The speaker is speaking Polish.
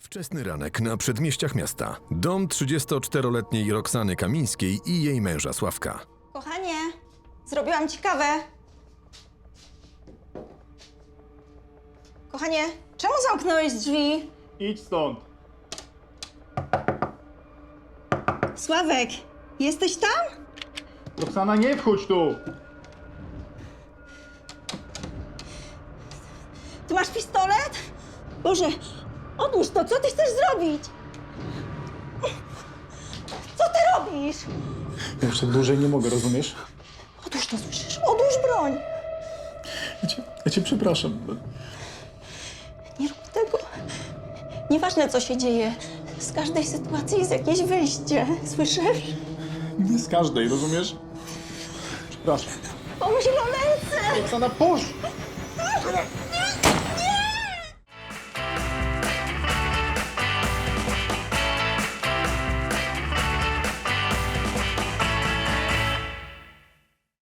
Wczesny ranek na przedmieściach miasta. Dom 34-letniej Roxany Kamińskiej i jej męża Sławka. Kochanie, zrobiłam ci kawę. Kochanie, czemu zamknąłeś drzwi? Idź stąd. Sławek, jesteś tam? Roxana, nie wchodź tu! Ty masz pistolet? Boże, odłóż to, co ty chcesz zrobić? Co ty robisz? Ja już tak dłużej nie mogę, rozumiesz? Odłóż to, słyszysz? Odłóż broń. Ja cię przepraszam. Nie rób tego. Nieważne, co się dzieje. Z każdej sytuacji jest jakieś wyjście. Słyszysz? Nie z każdej, rozumiesz? Przepraszam. Pomyśl o Lence! Roxana, puść!